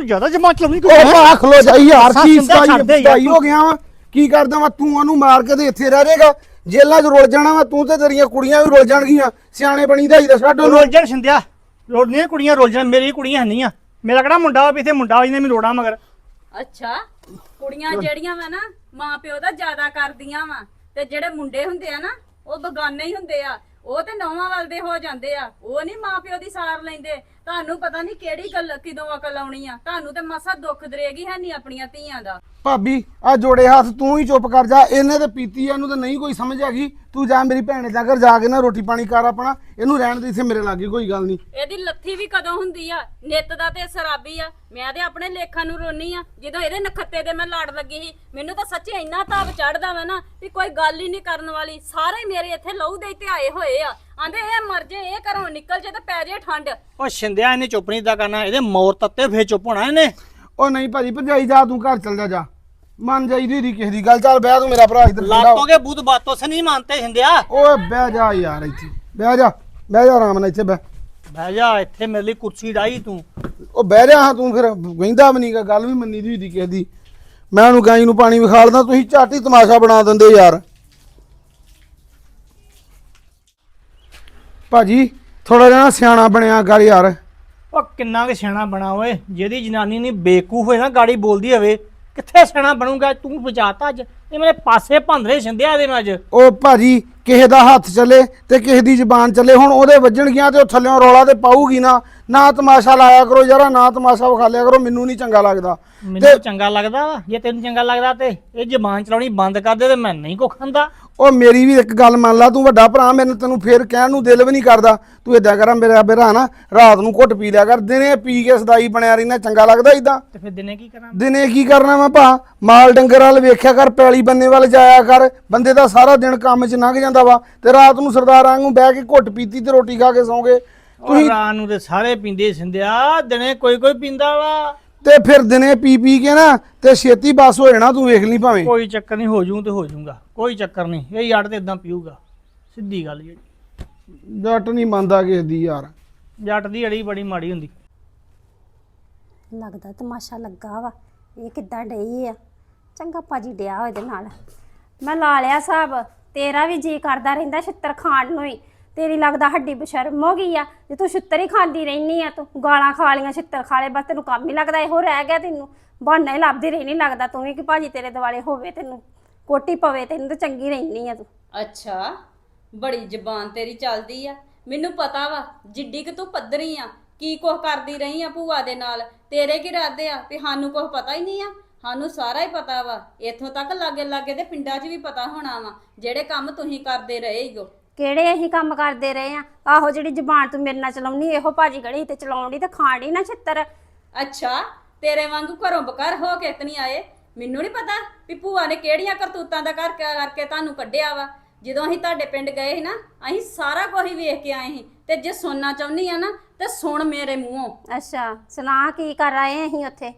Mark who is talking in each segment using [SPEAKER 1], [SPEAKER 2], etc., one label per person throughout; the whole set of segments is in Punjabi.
[SPEAKER 1] ਜ਼ਿਆਦਾ ਜਮਾ ਚਲਾਉਣੀ
[SPEAKER 2] ਉਹ ਭਾ ਖਲੋ ਜਾ ਯਾਰ ਕੀ
[SPEAKER 1] ਛੱਡਦੇ
[SPEAKER 2] ਸਤਾਈ ਹੋ ਗਿਆ ਵਾ ਕੀ ਕਰਦਾ ਵਾ ਤੂੰ ਉਹਨੂੰ ਮਾਰ ਕੇ ਤੇ ਇੱਥੇ ਰਹਿ ਜਾਏਗਾ ਜੇਲਾਂ 'ਚ ਰੁਲ ਜਾਣਾ ਵਾ ਤੂੰ ਤੇ ਤੇਰੀਆਂ ਕੁੜੀਆਂ ਵੀ ਰੁਲ ਜਾਣਗੀਆਂ ਸਿਆਣੇ ਬਣੀ ਦਾ ਹੀ ਤਾਂ ਛੱਡ ਉਹਨੂੰ
[SPEAKER 1] ਰੋਲਜਣ ਸਿੰਧਿਆ ਰੋਲਦੀਆਂ ਕੁੜੀਆਂ ਰੋਲਜਣ ਮੇਰੀ ਕੁੜੀਆਂ ਨਹੀਂ ਆ ਮੇਰਾ ਕਿਹੜਾ ਮੁੰਡਾ ਵਾ ਵੀ ਇੱਥੇ ਮੁੰਡਾ ਇਹਨੇ ਮੈਨੂੰ ਰੋੜਾ ਮਗਰ
[SPEAKER 3] ਅੱਛਾ ਕੁੜੀਆਂ ਜਿਹੜੀਆਂ ਵਾ ਨਾ ਮਾਂ ਪਿਓ ਦਾ ਜ਼ਿਆਦਾ ਕਰਦੀਆਂ ਵਾ ਤੇ ਜਿਹੜੇ ਮੁੰਡੇ ਹੁੰਦੇ ਆ ਨਾ ਉਹ ਬਗਾਨੇ ਹੀ ਹੁੰਦੇ ਆ ਉਹ ਤੇ ਨੌਵਾਂ ਵੱਲ ਦੇ ਹੋ ਜਾਂਦੇ ਆ ਉਹ ਨਹੀਂ ਮਾਂ ਪਿਓ ਦੀ ਸਾਰ ਲੈਂਦੇ ਤੁਹਾਨੂੰ ਪਤਾ ਨਹੀਂ ਕਿਹੜੀ ਗੱਲ ਕਿਦੋਂ ਅਕਲ ਆਉਣੀ ਆ ਤੁਹਾਨੂੰ ਤੇ ਮਸਾ ਦੁੱਖ ਦਰੇਗੀ ਹੈ ਨਹੀਂ ਆਪਣੀਆਂ ਧੀਆਂ ਦਾ
[SPEAKER 2] ਭਾਬੀ ਆ ਜੋੜੇ ਹੱਥ ਤੂੰ ਹੀ ਚੁੱਪ ਕਰ ਜਾ ਇਹਨੇ ਤੇ ਪੀਤੀ ਆ ਇਹਨੂੰ ਤਾਂ ਨਹੀਂ ਕੋਈ ਸਮਝ ਹੈਗੀ ਤੂੰ ਜਾ ਮੇਰੀ ਭੈਣੇ ਦੇ ਘਰ ਜਾ ਕੇ ਨਾ ਰੋਟੀ ਪਾਣੀ ਕਰ ਆਪਣਾ ਇਹਨੂੰ ਰਹਿਣ ਦੇ ਇੱਥੇ ਮੇਰੇ ਲਾਗੇ ਕੋਈ ਗੱਲ ਨਹੀਂ
[SPEAKER 3] ਇਹਦੀ ਲੱਥੀ ਵੀ ਕਦੋਂ ਹੁੰਦੀ ਆ ਨਿੱਤ ਦਾ ਤੇ ਸ਼ਰਾਬੀ ਆ ਮੈਂ ਤੇ ਆਪਣੇ ਲੇਖਾਂ ਨੂੰ ਰੋਨੀ ਆ ਜਦੋਂ ਇਹਦੇ ਨਖੱਤੇ ਦੇ ਮੈਂ ਲੜ ਲੱਗੀ ਸੀ ਮੈਨੂੰ ਤਾਂ ਸੱਚੀ ਇੰਨਾ ਤਾਪ ਚੜਦਾ ਵਾ ਨਾ ਵੀ ਕੋਈ ਗੱਲ ਹੀ ਨਹੀਂ ਕਰਨ ਵਾਲੀ ਸਾਰੇ ਮੇਰੇ ਇੱਥੇ ਲਹੂ ਦੇ ਤੇ ਆਏ ਹੋਏ ਆ ਆਂਦੇ ਇਹ ਮਰ ਜੇ ਇਹ ਘਰੋਂ ਨਿਕਲ ਜੇ ਤੇ ਪੈ ਜੇ ਠੰਡ
[SPEAKER 1] ਉਹ ਸਿੰਧਿਆ ਇਹਨੇ ਚੁੱਪ ਨਹੀਂ ਦਾ ਕਰਨਾ ਇਹਦੇ ਮੌਰ ਤੱਤੇ ਫੇਰ ਚੁੱਪ ਹੋਣਾ ਇਹਨੇ
[SPEAKER 2] ਉਹ ਨਹੀਂ ਭਾਜੀ ਭਰਜਾਈ ਜਾ ਤੂੰ ਘਰ ਚੱਲ ਜਾ ਮੰਨ ਜਾਈਦੀ ਦੀ ਕਿਸੇ ਦੀ ਗੱਲ ਚੱਲ ਬਹਿ ਤੂੰ ਮੇਰਾ ਭਰਾ ਇੱਧਰ
[SPEAKER 1] ਲਾਤੋਂ ਕੇ ਬੂਤ ਬਾਤੋਂ ਸੇ ਨਹੀਂ ਮੰਨਤੇ ਸਿੰਧਿਆ
[SPEAKER 2] ਓਏ ਬਹਿ ਜਾ ਯਾਰ ਇੱਥੇ ਬਹਿ ਜਾ ਆਰਾਮ ਨਾਲ ਇੱਥੇ
[SPEAKER 1] ਬਹਿ ਜਾ ਇੱਥੇ ਮੇਰੇ ਲਈ ਕੁਰਸੀ ਡਾਈ ਤੂੰ
[SPEAKER 2] ਉਹ ਬਹਿ ਜਾ ਹਾਂ ਤੂੰ ਫਿਰ ਕਹਿੰਦਾ ਵੀ ਨਹੀਂਗਾ ਗੱਲ ਵੀ ਮੰਨੀ ਦੀ ਹੁੰਦੀ ਕਿਸੇ ਦੀ ਮੈਂ ਉਹਨੂੰ ਗਾਈ ਨੂੰ ਪਾਣੀ ਵਿਖਾਲਦਾ ਤੁਸੀਂ ਝੱਟ ਹੀ ਤਮਾਸ਼ਾ ਬਣਾ ਦਿੰਦੇ ਯਾਰ ਭਾਜੀ ਥੋੜਾ ਜਿਹਾ ਸਿਆਣਾ ਬਣਿਆ ਕਰ ਯਾਰ
[SPEAKER 1] ਉਹ ਕਿੰਨਾ ਕੁ ਸਿਆਣਾ ਬਣਾ ਓਏ ਜਿਹਦੀ ਜਨਾਨੀ ਨਹੀਂ ਬੇਕੂਫ ਹੋਏ ਨਾ ਗਾੜੀ ਬੋਲਦੀ ਹੋਵੇ ਕਿੱਥੇ ਸਿਆਣਾ ਬਣੂਗਾ ਤੂੰ ਬਚਾਤਾ ਅੱਜ ਇਹ ਮੇਰੇ ਪਾਸੇ ਭੰਦਰੇ ਸਿੰਧਿਆ ਇਹਦੇ ਨਾਲ ਅੱਜ
[SPEAKER 2] ਉਹ ਭਾਜੀ ਕਿਸੇ ਦਾ ਹੱਥ ਚੱਲੇ ਤੇ ਕਿਸੇ ਦੀ ਜ਼ਬਾਨ ਚੱਲੇ ਹੁਣ ਉਹਦੇ ਵੱਜਣਗੀਆਂ ਤੇ ਉਹ ਥੱਲਿਓਂ ਰੌਲਾ ਤੇ ਪਾਊਗੀ ਨਾ ਤਮਾਸ਼ਾ ਲਾਇਆ ਕਰੋ ਯਾਰਾ ਨਾ ਤਮਾਸ਼ਾ ਵਿਖਾ ਲਿਆ ਕਰੋ ਮੈਨੂੰ ਨਹੀਂ ਚੰਗਾ ਲੱਗਦਾ
[SPEAKER 1] ਮੈਨੂੰ ਚੰਗਾ ਲੱਗਦਾ ਵਾ ਜੇ ਤੈਨੂੰ ਚੰਗਾ ਲੱਗਦਾ ਤੇ ਇਹ ਜ਼ਬਾਨ ਚਲਾਉਣੀ ਬੰਦ ਕਰ ਦੇ ਤੇ ਮੈਂ ਨਹੀਂ ਕੋ ਖਾਂਦਾ
[SPEAKER 2] ਉਹ ਮੇਰੀ ਵੀ ਇੱਕ ਗੱਲ ਮੰਨ ਲਾ ਤੂੰ ਵੱਡਾ ਭਰਾ ਮੈਨੂੰ ਤੈਨੂੰ ਫੇਰ ਕਹਿਣ ਨੂੰ ਦਿਲ ਵੀ ਨਹੀਂ ਕਰਦਾ ਤੂੰ ਏਦਾਂ ਕਰ ਮੇਰਾ ਭਰਾ ਨਾ ਰਾਤ ਨੂੰ ਘੁੱਟ ਪੀ ਲਿਆ ਕਰ ਦਿਨੇ ਪੀ ਕੇ ਸਦਾਈ ਬਣਿਆ ਰਹਿਣਾ ਚੰਗਾ ਲੱਗਦਾ ਇਦਾਂ
[SPEAKER 1] ਤੇ ਫਿਰ ਦਿਨੇ ਕੀ ਕਰਾਂ
[SPEAKER 2] ਦਿਨੇ ਕੀ ਕਰਨਾ ਵਾ ਭਾ ਮਾਲ ਡੰਗਰ ਵਾਲ ਵੇਖਿਆ ਕਰ ਪੈਲੀ ਬੰਨੇ ਵੱਲ ਜਾਇਆ ਕਰ ਬੰਦੇ ਦਾ ਸਾਰਾ ਦਿਨ ਕੰਮ 'ਚ ਲੰਘ ਜਾਂਦਾ ਵਾ ਤੇ ਰਾਤ ਨੂੰ ਸਰਦਾਰਾਂ ਵਾਂਗੂ ਬਹਿ ਕੇ ਘੁੱਟ ਪੀਤੀ ਤੇ ਰੋਟੀ ਖਾ ਕੇ ਸੌਂਗੇ
[SPEAKER 1] ਤੁਸੀਂ ਰਾਤ ਨੂੰ ਤੇ ਸਾਰੇ ਪੀਂਦੇ ਸਿੰਧਿਆ ਦਿਨੇ ਕੋਈ ਪੀਂਦਾ ਵਾ
[SPEAKER 2] ਤੇ ਫਿਰ ਦਿਨੇ ਪੀ ਕੇ ਨਾ ਤੇ ਛੇਤੀ ਬਸ ਹੋ ਜਾਣਾ ਤੂੰ ਵੇਖ ਲਈ ਭਾਵੇਂ
[SPEAKER 1] ਕੋਈ ਚੱਕਰ ਨਹੀਂ ਹੋ ਜੂ ਤੇ ਹੋ ਜਾਊਗਾ ਕੋਈ ਚੱਕਰ ਨਹੀਂ ਇਹ ਯਾਰ ਤੇ ਇਦਾਂ ਪੀਊਗਾ ਸਿੱਧੀ ਗੱਲ ਜਿਹੜੀ
[SPEAKER 2] ਜੱਟ ਨਹੀਂ ਮੰਨਦਾ ਕਿਸੇ ਦੀ ਯਾਰ
[SPEAKER 1] ਜੱਟ ਦੀ ਅੜੀ ਬੜੀ ਮਾੜੀ ਹੁੰਦੀ
[SPEAKER 4] ਲੱਗਦਾ ਤਮਾਸ਼ਾ ਲੱਗਾ ਵਾ ਇਹ ਕਿੱਦਾਂ ਡਈ ਆ ਚੰਗਾ ਭਾਜੀ ਡਿਆ ਇਹਦੇ ਨਾਲ ਮੈਂ ਲਾ ਲਿਆ ਹਿਸਾਬ ਤੇਰਾ ਵੀ ਜੀ ਕਰਦਾ ਰਹਿੰਦਾ ਛਿੱਤਰ ਖਾਣ ਨੂੰ ਹੀ ਤੇਰੀ ਲੱਗਦਾ ਹੱਡੀ ਬਸ਼ਰਮ ਹੋ ਗਈ ਆ ਜੇ ਤੂੰ ਛਿੱਤਰ ਹੀ ਖਾਂਦੀ ਰਹਿਨੀ ਆ ਤੂੰ ਗਾਲਾਂ ਖਾ ਲੀਆਂ ਛਿੱਤਰ ਖਾ ਲਏ ਬਸ ਤੈਨੂੰ ਕੰਮ ਹੀ ਲੱਗਦਾ ਇਹੋ ਰਹਿ ਗਿਆ ਤੈਨੂੰ ਬਹਾਨਾ ਹੀ ਲੱਭਦੀ ਰਹਿਣੀ ਲੱਗਦਾ ਤੂੰ ਵੀ ਕਿ ਭਾਜੀ ਤੇਰੇ ਦੁਆਲੇ ਹੋਵੇ ਤੈਨੂੰ ਕੋਟੀ ਪਵੇ ਤੈਨੂੰ ਤਾਂ ਚੰਗੀ ਰਹਿਨੀ ਆ ਤੂੰ
[SPEAKER 3] ਅੱਛਾ ਬੜੀ ਜ਼ਬਾਨ ਤੇਰੀ ਚੱਲਦੀ ਆ ਮੈਨੂੰ ਪਤਾ ਵਾ ਜਿੱਡੀ ਕਿ ਤੂੰ ਪੱਧਰੀ ਆ ਕੀ ਕੁਝ ਕਰਦੀ ਰਹੀ ਆ ਭੂਆ ਦੇ ਨਾਲ ਤੇਰੇ ਕੀ ਇਰਾਦੇ ਆ ਵੀ ਸਾਨੂੰ ਕੁਝ ਪਤਾ ਹੀ ਨਹੀਂ ਆ ਸਾਨੂੰ ਸਾਰਾ ਹੀ ਪਤਾ ਵਾ ਇੱਥੋਂ ਤੱਕ ਲਾਗੇ ਦੇ ਪਿੰਡਾਂ 'ਚ ਵੀ ਪਤਾ ਹੋਣਾ ਵਾ ਜਿਹੜੇ ਕੰਮ ਤੁਸੀਂ ਕਰਦੇ ਰਹੇ ਹੋ
[SPEAKER 4] ਕਿਹੜੇ ਅਸੀਂ ਕੰਮ ਕਰਦੇ ਰਹੇ ਆ ਆਹੋ ਜਿਹੜੀ ਜ਼ਬਾਨ ਤੂੰ ਮੇਰੇ ਨਾਲ ਚਲਾਉਣੀ ਇਹੋ ਭਾਜੀ ਗੜੀ ਤੇ ਚਲਾਉਣੀ ਤੇ ਖਾਣੀ ਨਾ ਛਿੱਤਰ
[SPEAKER 3] ਅੱਛਾ ਤੇਰੇ ਵਾਂਗੂ ਘਰੋਂ ਬਕਰ ਹੋ ਕੇ ਇਤਨੀ ਆਏ ਮੈਨੂੰ ਨਹੀਂ ਪਤਾ ਵੀ ਭੂਆ ਨੇ ਕਿਹੜੀਆਂ ਕਰਤੂਤਾਂ ਦਾ ਕਰਕੇ ਤੁਹਾਨੂੰ ਕੱਢਿਆ ਵਾ ਜਦੋਂ ਅਸੀਂ ਤੁਹਾਡੇ ਪਿੰਡ ਗਏ ਸੀ ਨਾ ਅਸੀਂ ਸਾਰਾ ਕੁਝ ਹੀ ਵੇਖ ਕੇ ਆਏ ਸੀ ਤੇ ਜੇ ਸੁਣਨਾ ਚਾਹੁੰਦੀ ਆ ਨਾ ਤੇ ਸੁਣ ਮੇਰੇ ਮੂੰਹੋਂ
[SPEAKER 4] ਅੱਛਾ ਸੁਣਾ ਕੀ ਕਰ ਆਏ ਅਸੀਂ ਉੱਥੇ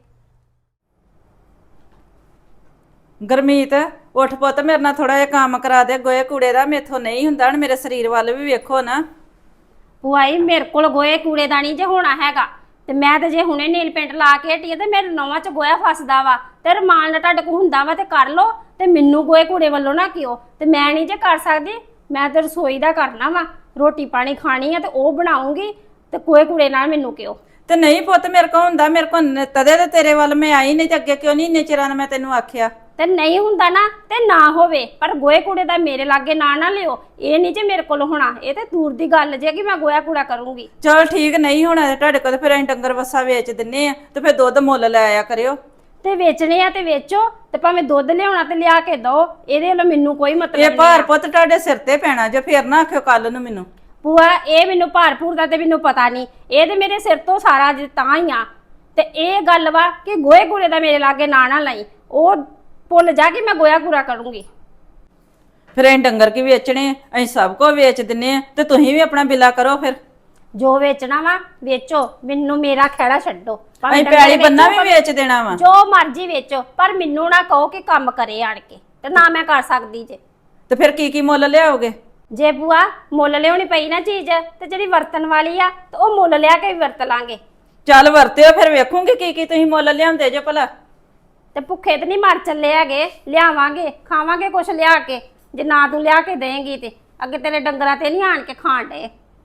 [SPEAKER 5] ਗਰਮੀਤ ਉੱਠ ਪੁੱਤ ਮੇਰੇ ਨਾਲ ਥੋੜਾ ਜਿਹਾ ਕੰਮ ਕਰਾ ਦੇ ਗੋਏ ਕੂੜੇ ਦਾ ਮੇਥੋਂ ਨਹੀਂ ਹੁੰਦਾ ਹੁਣ ਮੇਰੇ ਸਰੀਰ ਵੱਲ ਵੀ ਵੇਖੋ ਨਾ
[SPEAKER 4] ਭੂਆਈ ਮੇਰੇ ਕੋਲ ਗੋਏ ਕੂੜੇ ਦਾ ਨਹੀਂ ਜੇ ਹੋਣਾ ਹੈਗਾ ਤੇ ਮੈਂ ਤੇ ਜੇ ਹੁਣੇ ਨੀਲ ਪੇਂਟ ਲਾ ਕੇ ਹਟੀ ਤੇ ਮੇਰੇ ਨੌਵਾਂ 'ਚ ਗੋਇਆ ਫਸਦਾ ਵਾ ਤੇ ਰਮਾਨ ਨਾਲ ਤੁਹਾਡੇ ਕੋਲ ਹੁੰਦਾ ਵਾ ਤੇ ਕਰ ਲੋ ਤੇ ਮੈਨੂੰ ਗੋਏ ਕੂੜੇ ਵੱਲੋਂ ਨਾ ਕਿਉ ਤੇ ਮੈਂ ਨਹੀਂ ਜੇ ਕਰ ਸਕਦੀ ਮੈਂ ਤੇ ਰਸੋਈ ਦਾ ਕਰਨਾ ਵਾ ਰੋਟੀ ਪਾਣੀ ਖਾਣੀ ਆ ਤੇ ਉਹ ਬਣਾਉਂਗੀ ਤੇ ਗੋਏ ਕੂੜੇ ਨਾਲ ਮੈਨੂੰ ਕਿਉ
[SPEAKER 5] ਤੇ ਨਹੀਂ ਪੁੱਤ ਮੇਰੇ ਕੋਲ ਹੁੰਦਾ ਮੇਰੇ ਕੋਲ ਤਦੇ ਤੇ ਤੇਰੇ ਵੱਲ ਮੈਂ ਆਈ ਨਹੀਂ ਤੇ ਅੱਗੇ ਕਿਉਂ ਨਹੀਂ ਇੰਨੇ ਚਿਰਾਂ ਮੈਂ ਤੈਨੂੰ ਆਖਿਆ
[SPEAKER 4] ਤੇ ਨਹੀਂ ਹੁੰਦਾ ਨਾ ਤੇ ਨਾ ਹੋਵੇ ਪਰ ਗੋਏ ਕੂੜੇ ਦਾ ਮੇਰੇ ਲਾਗੇ ਨਾ ਲਿਓ ਇਹ ਨਹੀਂ ਜੇ ਮੇਰੇ ਕੋਲ ਹੋਣਾ ਇਹ ਤੇ ਦੂਰ ਦੀ ਗੱਲ ਜੇ ਕਿ ਮੈਂ ਗੋਇਆ ਕੂੜਾ ਕਰੂੰਗੀ
[SPEAKER 5] ਚਲ ਠੀਕ ਨਹੀਂ ਹੋਣਾ ਤੁਹਾਡੇ ਕੋਲ ਫਿਰ ਅਸੀਂ ਡੰਗਰ ਵੱਸਾ ਵੇਚ ਦਿੰਨੇ ਆ ਤੇ ਫਿਰ ਦੁੱਧ ਮੁੱਲ ਲੈ ਆਇਆ ਕਰਿਓ
[SPEAKER 4] ਤੇ ਵੇਚਣੇ ਆ ਤੇ ਵੇਚੋ ਤੇ ਭਾਵੇਂ ਦੁੱਧ ਲਿਆਉਣਾ ਤੇ ਲਿਆ ਕੇ ਦੋ ਇਹਦੇ ਵੱਲੋਂ ਮੈਨੂੰ ਕੋਈ ਮਤਲਬ
[SPEAKER 5] ਇਹ ਭਾਰ ਪੁੱਤ ਤੁਹਾਡੇ ਸਿਰ ਤੇ ਪੈਣਾ ਜੇ ਫਿਰ ਨਾ ਆਖਿਓ ਕੱਲ ਨੂੰ ਮੈਨੂੰ
[SPEAKER 4] ਭੂਆ ਇਹ ਮੈਨੂੰ ਭਾਰਪੂਰ ਦਾ ਤੇ ਮੈਨੂੰ ਪਤਾ ਨਹੀਂ ਇਹ ਤੇ ਮੇਰੇ ਸਿਰ ਤੋਂ ਸਾਰਾ ਤਾਂ ਹੀ ਆ ਤੇ ਇਹ ਗੱਲ ਵਾ ਕਿ ਗੋਏ ਕੂੜੇ ਦਾ ਮੇਰੇ ਲਾਗੇ ਨਾ ਲਈ ਉਹ ਭੁੱਲ ਜਾ ਕੇ ਮੈਂ ਗੋਇਆ ਕੂੜਾ ਕਰੂੰਗੀ
[SPEAKER 5] ਫਿਰ ਅਸੀਂ ਡੰਗਰ ਕੀ ਵੇਚਣੇ ਅਸੀਂ ਸਭ ਕੁਝ ਵੇਚ ਦਿੰਨੇ ਆ ਤੇ ਤੁਸੀਂ ਵੀ ਆਪਣਾ ਬਿੱਲਾ ਕਰੋ ਫਿਰ
[SPEAKER 4] ਜੋ ਵੇਚਣਾ ਵਾ ਵੇਚੋ ਮੈਨੂੰ ਮੇਰਾ ਖਹਿੜਾ ਛੱਡੋ
[SPEAKER 5] ਅਸੀਂ ਪੈਲੀ ਬੰਨਾ ਵੀ ਵੇਚ ਦੇਣਾ ਵਾ
[SPEAKER 4] ਜੋ ਮਰਜ਼ੀ ਵੇਚੋ ਪਰ ਮੈਨੂੰ ਨਾ ਕਹੋ ਕਿ ਕੰਮ ਕਰੇ ਆਣ ਕੇ ਤੇ ਨਾ ਮੈਂ ਕਰ ਸਕਦੀ ਜੇ
[SPEAKER 5] ਤੇ ਫਿਰ ਕੀ ਮੁੱਲ ਲਿਆਓਗੇ
[SPEAKER 4] ਜੇ ਬੂਆ ਮੁੱਲ ਲਿਆਉਣੀ ਪਈ ਨਾ ਚੀਜ਼ ਤੇ ਜਿਹੜੀ ਵਰਤਣ ਵਾਲੀ ਆ ਤੇ ਉਹ ਮੁੱਲ ਲਿਆ ਕੇ ਵੀ ਵਰਤ ਲਾਂਗੇ
[SPEAKER 5] ਚੱਲ ਵਰਤਿਓ ਫਿਰ ਵੇਖੂੰਗੀ ਕੀ ਕੀ ਤੁਸੀਂ ਮੁੱਲ ਲਿਆਉਂਦੇ ਜੇ ਭਲਾ।
[SPEAKER 4] ਤੇ ਭੁੱਖੇ ਤੇ ਨਹੀਂ ਮਰ ਚੱਲੇ ਹੈਗੇ, ਲਿਆਵਾਂਗੇ ਖਾਵਾਂਗੇ ਕੁਛ ਲਿਆ ਕੇ। ਜੇ ਨਾ ਤੂੰ ਲਿਆ ਕੇ ਦੇਂਗੀ ਤੇ ਅੱਗੇ ਤੇਰੇ ਡੰਗਰਾਂ ਤੇ ਨਹੀਂ ਆਣ ਕੇ ਖਾਣ ਡੇ।